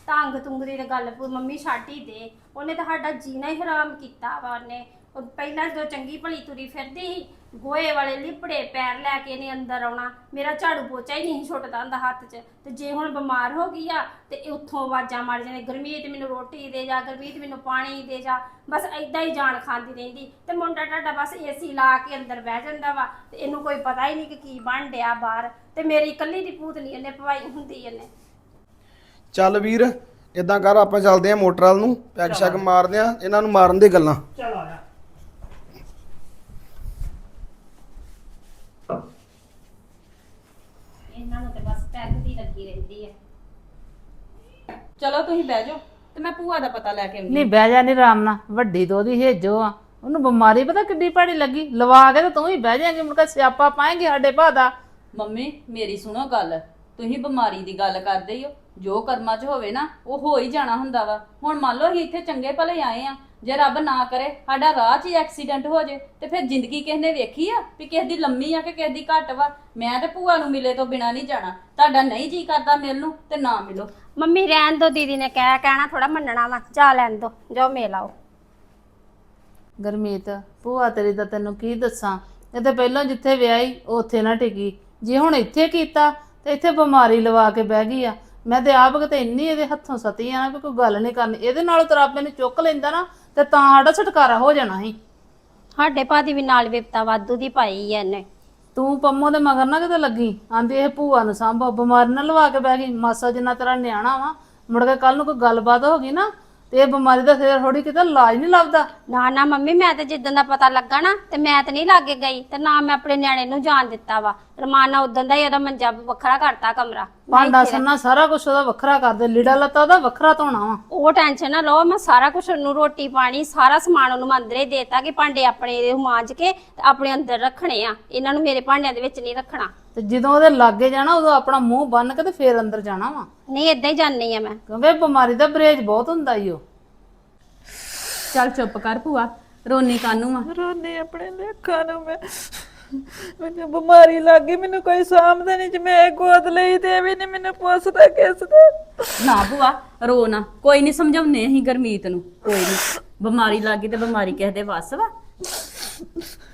[SPEAKER 4] ਤੰਗ ਤੁੰਗ ਦੀ ਤਾਂ ਗੱਲ ਮੰਮੀ ਛੱਡ ਹੀ ਦੇ। ਉਹਨੇ ਤਾਂ ਸਾਡਾ ਜੀਣਾ ਹੀ ਹਰਾਮ ਕੀਤਾ ਵਾ। ਉਹਨੇ ਉਹ ਪਹਿਲਾਂ ਜਦੋਂ ਚੰਗੀ ਭਲੀ ਤੁਰੀ ਫਿਰਦੀ ਸੀ, ਗੋਹੇ ਵਾਲੇ ਲਿਪੜੇ ਪੈਰ ਲੈ ਕੇ ਇਹਨੇ ਅੰਦਰ ਆਉਣਾ, ਮੇਰਾ ਝਾੜੂ ਪੋਚਾ ਹੀ ਨਹੀਂ ਛੁੱਟਦਾ ਹੁੰਦਾ ਹੱਥ 'ਚ। ਤੇ ਜੇ ਹੁਣ ਬਿਮਾਰ ਹੋ ਗਈ ਆ ਤੇ ਉੱਥੋਂ ਆਵਾਜ਼ਾਂ ਮਾਰ ਜਾਂਦੇ, ਗੁਰਮੀਤ ਮੈਨੂੰ ਰੋਟੀ ਦੇ ਜਾ, ਗੁਰਮੀਤ ਮੈਨੂੰ ਪਾਣੀ ਦੇ ਜਾ, ਬਸ ਏਦਾਂ ਹੀ ਜਾਨ ਖਾਂਦੀ ਰਹਿੰਦੀ। ਤੇ ਮੁੰਡਾ ਤੁਹਾਡਾ ਬਸ ਏਸੀ ਲਾ ਕੇ ਅੰਦਰ ਬਹਿ ਜਾਂਦਾ ਵਾ ਤੇ ਇਹਨੂੰ ਕੋਈ ਪਤਾ ਹੀ ਨਹੀਂ ਕਿ ਕੀ ਬਣ ਡਿਆ ਬਾਹਰ। ਤੇ ਮੇਰੀ ਇਕੱਲੀ ਦੀ ਭੂਤਨੀ ਇਹਨੇ ਪਵਾਈ ਹੁੰਦੀ ਇਹਨੇ।
[SPEAKER 2] ਚੱਲ ਵੀਰ ਇਦਾਂ ਕਰ, ਆਪਾਂ ਚੱਲਦੇ ਆ ਮੋਟਰ ਵੱਲ ਨੂੰ, ਪੈਗ ਸ਼ੈਗ ਮਾਰਦੇ ਆ, ਇਹਨਾਂ ਨੂੰ ਮਾਰਨ ਦੇ ਗੱਲਾਂ।
[SPEAKER 1] ਚਲ ਆ ਜਾ।
[SPEAKER 4] ਇਹਨਾਂ ਨੂੰ ਤੇ ਬਸ ਪੈਗ ਦੀ ਲੱਗੀ ਰਹਿੰਦੀ ਹੈ।
[SPEAKER 3] ਚਲੋ ਤੁਸੀਂ ਬਹਿ ਜਾਓ ਤੇ ਮੈਂ ਭੂਆ ਦਾ ਪਤਾ ਲੈ ਕੇ ਆਉਂਦੀ।
[SPEAKER 6] ਨਹੀਂ ਬਹਿ ਜਾ ਨੀ ਆਰਾਮ ਨਾਲ, ਵੱਡੀ ਤੋਂ ਉਹਦੀ ਹੇਜੋ ਆ, ਉਹਨੂੰ ਬਿਮਾਰੀ ਪਤਾ ਕਿੱਡੀ ਭੈੜੀ ਲੱਗੀ, ਲਵਾ ਕੇ ਤੇ ਤੂੰ ਹੀ ਬਹਿ ਜਾਏਂਗੀ, ਮੁੜ ਕੇ ਸਿਆਪਾ ਪਾਏਂਗੀ ਸਾਡੇ ਭਾ ਦਾ।
[SPEAKER 3] ਮੰਮੀ ਮੇਰੀ ਸੁਣੋ ਗੱਲ, ਤੁਸੀਂ ਬਿਮਾਰੀ ਦੀ ਗੱਲ ਕਰਦੇ ਹੋ, ਜੋ ਕਰਮਾਂ 'ਚ ਹੋਵੇ ਨਾ ਉਹ ਹੋ ਹੀ ਜਾਣਾ ਹੁੰਦਾ ਵਾ। ਹੁਣ ਮੰਨ ਲਓ ਅਸੀਂ ਇੱਥੇ ਚੰਗੇ ਭਲੇ ਆਏ ਆ, ਜੇ ਰੱਬ ਨਾ ਕਰੇ ਸਾਡਾ ਰਾਹ 'ਚ ਹੀ ਐਕਸੀਡੈਂਟ ਹੋ ਜੇ ਤੇ ਫਿਰ ਜ਼ਿੰਦਗੀ ਕਿਸ ਨੇ ਵੇਖੀ ਆ ਵੀ ਕਿਸੇ ਦੀ ਲੰਮੀ ਆ ਕਿ ਕਿਸੇ ਦੀ ਘੱਟ ਵਾ। ਮੈਂ ਤੇ ਭੂਆ ਨੂੰ ਮਿਲੇ ਤੋਂ ਬਿਨਾ ਨਹੀਂ ਜਾਣਾ। ਤੁਹਾਡਾ ਨਹੀਂ ਜੀ ਕਰਦਾ ਮਿਲਣ ਨੂੰ ਤੇ ਨਾ ਮਿਲੋ।
[SPEAKER 4] ਮੰਮੀ ਰਹਿਣ ਦੋ, ਦੀਦੀ ਨੇ ਕਹਿਣਾ ਥੋੜਾ ਮੰਨਣਾ ਵਾ, ਜਾ ਲੈਣ ਦੋ, ਜਾਓ ਮਿਲ ਆਓ।
[SPEAKER 6] ਗੁਰਮੀਤ ਭੂਆ ਤੇਰੀ ਦਾ ਤੈਨੂੰ ਕੀ ਦੱਸਾਂ, ਇਹ ਤੇ ਪਹਿਲਾਂ ਜਿੱਥੇ ਵਿਆਹੀ ਉੱਥੇ ਨਾ ਟਿਕੀ, ਜੇ ਹੁਣ ਇੱਥੇ ਕੀਤਾ ਤੇ ਇੱਥੇ ਬਿਮਾਰੀ ਲਵਾ ਕੇ ਬਹਿ ਗਈ ਆ। ਮੈਂ ਤੇ ਆਪ ਕਿਤੇ ਇੰਨੀ ਇਹਦੇ ਹੱਥੋਂ ਸਤੀ ਆ ਨਾ ਵੀ ਕੋਈ ਗੱਲ ਨਹੀਂ ਕਰਨੀ। ਇਹਦੇ ਨਾਲ ਤਰਾਪੇ ਨੂੰ ਚੁੱਕ ਲੈਂਦਾ ਨਾ ਤੇ ਤਾਂ ਸਾਡਾ ਛੁਟਕਾਰਾ ਹੋ ਜਾਣਾ ਸੀ।
[SPEAKER 4] ਸਾਡੇ ਭਾਦੀ ਵੀ ਨਾਲ ਵਿਪਤਾ ਵਾਧੂ ਦੀ ਪਾਈ ਐ ਇਹਨੇ।
[SPEAKER 6] ਤੂੰ ਪੰਮੋ ਦੇ ਮਗਰ ਨਾ ਕਿਤੇ ਲੱਗੀ, ਆਂਦੀ ਇਹ ਭੂਆ ਨੂੰ ਸਾਂਭੋ, ਬਿਮਾਰੀ ਨਾ ਲਵਾ ਕੇ ਬਹਿ ਗਈ। ਮਾਸਾ ਜਿੰਨਾ ਤੇਰਾ ਨਿਆਣਾ ਵਾ, ਮੁੜ ਕੇ ਕੱਲ ਨੂੰ ਕੋਈ ਗੱਲਬਾਤ ਹੋ ਗਈ ਨਾ ਤੇ ਇਹ ਬਿਮਾਰੀ ਦਾ ਸਿਰ ਥੋੜੀ ਕਿਤੇ ਇਲਾਜ ਨਹੀਂ ਲੱਭਦਾ।
[SPEAKER 4] ਨਾ ਨਾ ਮੰਮੀ, ਮੈਂ ਤੇ ਜਿੱਦਣ ਦਾ ਪਤਾ ਲੱਗਾ ਨਾ ਤੇ ਮੈਂ ਤੇ ਨਹੀਂ ਲਾਗੇ ਗਈ ਤੇ ਨਾ ਮੈਂ ਆਪਣੇ ਨਿਆਣੇ ਨੂੰ ਜਾਣ ਦਿੱਤਾ ਵਾ। ਰਮਾਨਾ ਉਦੋਂ ਦਾ ਹੀ ਉਹਦਾ ਮੰਜਾ ਵੱਖਰਾ ਕਰਤਾ, ਕਮਰਾ
[SPEAKER 6] ਭਾਂਡਾ ਸੰਨਾ ਸਾਰਾ ਕੁਝ ਉਹਦਾ ਵੱਖਰਾ ਕਰਦੇ, ਲੀੜਾ ਲੱਤਾ ਉਹਦਾ ਵੱਖਰਾ ਧੋਣਾ ਵਾ।
[SPEAKER 4] ਉਹ ਟੈਨਸ਼ਨ ਨਾ ਲਓ, ਮੈਂ ਸਾਰਾ ਕੁਝ ਉਹਨੂੰ ਰੋਟੀ ਪਾਣੀ ਸਾਰਾ ਸਮਾਨ ਉਹਨੂੰ ਮੈਂ ਅੰਦਰੇ ਦੇਤਾ ਕਿ ਭਾਂਡੇ ਆਪਣੇ ਮਾਂਜ ਕੇ ਤੇ ਆਪਣੇ ਅੰਦਰ ਰੱਖਣੇ ਆ, ਇਹਨਾਂ ਨੂੰ ਮੇਰੇ ਭਾਂਡਿਆਂ ਦੇ ਵਿੱਚ ਨਹੀਂ ਰੱਖਣਾ।
[SPEAKER 6] ਤੇ ਜਦੋਂ ਉਹਦੇ ਲਾਗੇ ਜਾਣਾ ਉਦੋਂ ਆਪਣਾ ਮੂੰਹ ਬੰਨ ਕੇ ਤੇ ਫੇਰ ਅੰਦਰ ਜਾਣਾ ਵਾ,
[SPEAKER 4] ਨਹੀਂ ਏਦਾਂ ਹੀ ਜਾਣੀ ਆ ਮੈਂ।
[SPEAKER 6] ਕਿਉਂਕਿ ਬਿਮਾਰੀ ਦਾ ਬਰੇਜ ਬਹੁਤ ਹੁੰਦਾ ਈ ਉਹ।
[SPEAKER 3] ਚੱਲ ਚੁੱਪ ਕਰ ਭੂਆ, ਰੋਣੀ ਕਾਨੂੰ ਆ।
[SPEAKER 5] ਰੋਨੇ ਆਪਣੇ ਲੇਖਾਂ ਨੂੰ ਮੈਨੂੰ ਬਿਮਾਰੀ ਲੱਗ ਗਈ, ਮੈਨੂੰ ਕੋਈ ਸਾਂਭਦਾ ਨਹੀਂ, ਜੇ ਮੈਂ ਗੋਦ ਲਈ ਤੇ ਵੀ ਨਹੀਂ ਮੈਨੂੰ ਪੁੱਛਦਾ ਕਿਸ ਦਾ।
[SPEAKER 3] ਨਾ ਭੂਆ ਰੋ ਨਾ, ਕੋਈ ਨਹੀਂ ਸਮਝਾਉਨੇ ਅਸੀਂ ਗੁਰਮੀਤ ਨੂੰ, ਕੋਈ ਨਹੀਂ। ਬਿਮਾਰੀ ਲੱਗ ਗਈ ਤੇ ਬਿਮਾਰੀ ਕਿਸੇ ਦੇ ਵੱਸ ਵਾ।